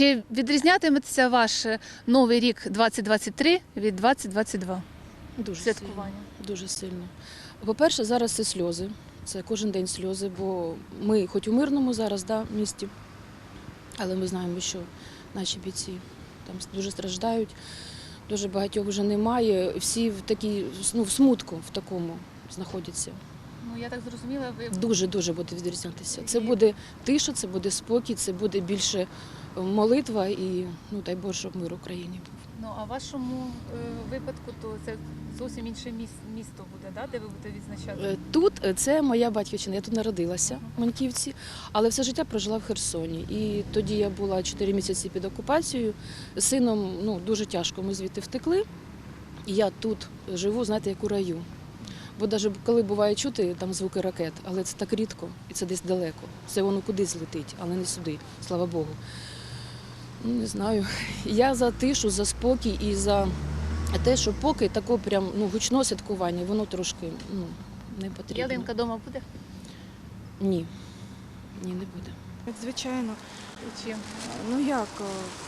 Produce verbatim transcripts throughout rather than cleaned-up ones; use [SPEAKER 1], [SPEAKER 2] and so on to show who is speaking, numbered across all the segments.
[SPEAKER 1] Чи відрізнятиметься ваш новий рік двадцять двадцять три від двадцять двадцять два?
[SPEAKER 2] Дуже
[SPEAKER 1] Святкування.
[SPEAKER 2] сильно. Дуже сильно. По-перше, зараз це сльози. Це кожен день сльози, бо ми хоч у мирному зараз, да, місті, але ми знаємо, що наші бійці там дуже страждають, дуже багатьох вже немає. Всі в такій, ну, в смутку в такому знаходяться.
[SPEAKER 1] Ну, я так зрозуміла, ви
[SPEAKER 2] Дуже-дуже буде відрізнятися. Це буде тиша, це буде спокій, це буде більше молитва і, ну, дай Боже, щоб мир в Україні був.
[SPEAKER 1] ну а в вашому е, випадку то це зовсім інше міс- місто буде, да, де ви будете відзначати?
[SPEAKER 2] Е, Тут е, це моя батьківщина, я тут народилася в Маньківці, але все життя прожила в Херсоні. І тоді я була чотири місяці під окупацією. З сином, ну, дуже тяжко, ми звідти втекли. І я тут живу, знаєте, як у раю. Бо навіть коли буває чути там звуки ракет, але це так рідко і це десь далеко. Це воно кудись летить, але не сюди, слава Богу. Ну, не знаю. Я за тишу, за спокій і за те, що поки таке прям, ну, гучне святкування, воно трошки, ну, не потрібно.
[SPEAKER 1] Ялинка вдома буде?
[SPEAKER 2] Ні. Ні, не буде.
[SPEAKER 3] Звичайно.
[SPEAKER 1] Чим?
[SPEAKER 3] Ну як? о,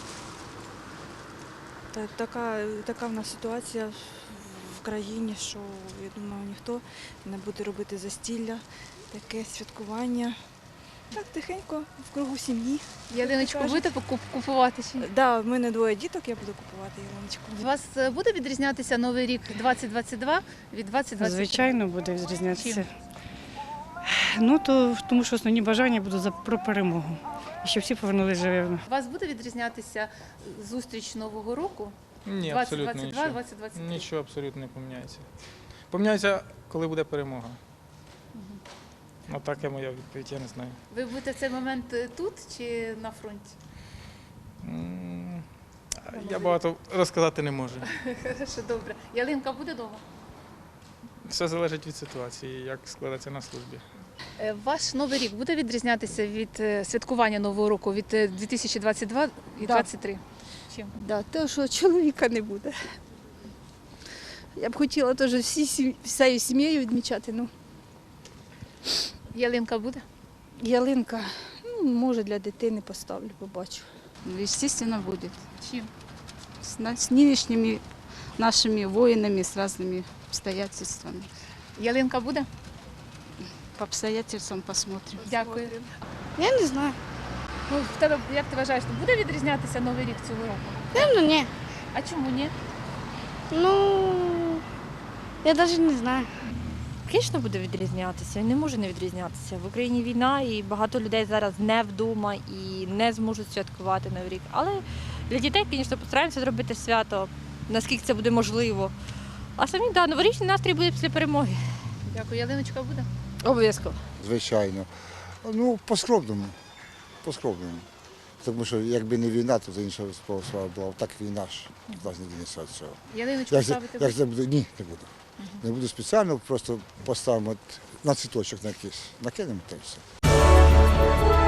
[SPEAKER 3] та- Така, така в нас ситуація в країні, що, я думаю, ніхто не буде робити застілля, таке святкування. Так, тихенько, в кругу сім'ї.
[SPEAKER 1] Ялиночку
[SPEAKER 3] кажуть.
[SPEAKER 1] будете покуп- купувати чи ні?
[SPEAKER 3] Да, в мене двоє діток, я буду купувати ялиночку.
[SPEAKER 1] У вас е, буде відрізнятися новий рік двадцять двадцять два від двадцять двадцять три?
[SPEAKER 4] Звичайно, буде відрізнятися.
[SPEAKER 1] Чим?
[SPEAKER 4] Ну, то, тому що основні бажання будуть за про перемогу. І щоб всі повернулися живими.
[SPEAKER 1] У вас буде відрізнятися зустріч Нового року
[SPEAKER 5] Ні,
[SPEAKER 1] двадцять
[SPEAKER 5] абсолютно
[SPEAKER 1] двадцять два
[SPEAKER 5] нічого.
[SPEAKER 1] двадцять двадцять три?
[SPEAKER 5] Нічого абсолютно не поміняється. Поміняється, коли буде перемога. Ну, така моя відповідь, я не знаю.
[SPEAKER 1] Ви будете в цей момент е, тут чи на фронті?
[SPEAKER 5] М, Я багато розказати не можу.
[SPEAKER 1] Хорошо, добре. Ялинка буде вдома?
[SPEAKER 5] Все залежить від ситуації, як складеться на службі.
[SPEAKER 1] Е, Ваш новий рік буде відрізнятися від е, святкування Нового року від е, дві тисячі двадцять два і двадцять три? Чим?
[SPEAKER 6] Да, те, що чоловіка не буде. Я б хотіла теж всі, сім- всією сім'єю відмічати. Ну,
[SPEAKER 1] Ялинка буде?
[SPEAKER 6] ялинка, ну, може, для дитини поставлю, побачу.
[SPEAKER 7] Естественно, будет.
[SPEAKER 1] Чим?
[SPEAKER 7] С, на- с нынешними нашими воинами, с разными обстоятельствами.
[SPEAKER 1] Ялинка буде?
[SPEAKER 7] По обстоятельствам посмотрим.
[SPEAKER 1] Дякую.
[SPEAKER 6] Я не знаю.
[SPEAKER 1] Ну, в тебе, як ти вважаєш, буде відрізнятися Новий рік цього року?
[SPEAKER 6] Певно, ні.
[SPEAKER 1] А чому ні?
[SPEAKER 6] Ну, я навіть не знаю.
[SPEAKER 8] Звісно, буде відрізнятися. Він не може не відрізнятися. В Україні війна і багато людей зараз не вдома і не зможуть святкувати Новий рік. Але для дітей, звісно, постараємося зробити свято, наскільки це буде можливо. А самі, да, новорічний настрій буде після перемоги.
[SPEAKER 1] Дякую. Ялиночка буде?
[SPEAKER 8] Обов'язково.
[SPEAKER 9] Звичайно. Ну, по-скромному. По-скромному. Тому що якби не війна, то це інша справа була. Так війна ж нас не винесе від цього.
[SPEAKER 1] Ялиночку
[SPEAKER 9] Як, це-
[SPEAKER 1] ставити?
[SPEAKER 9] як це буде? Ні, не буду. Не буду спеціально, просто поставимо на цвіточок на якийсь. Накинемо та й все.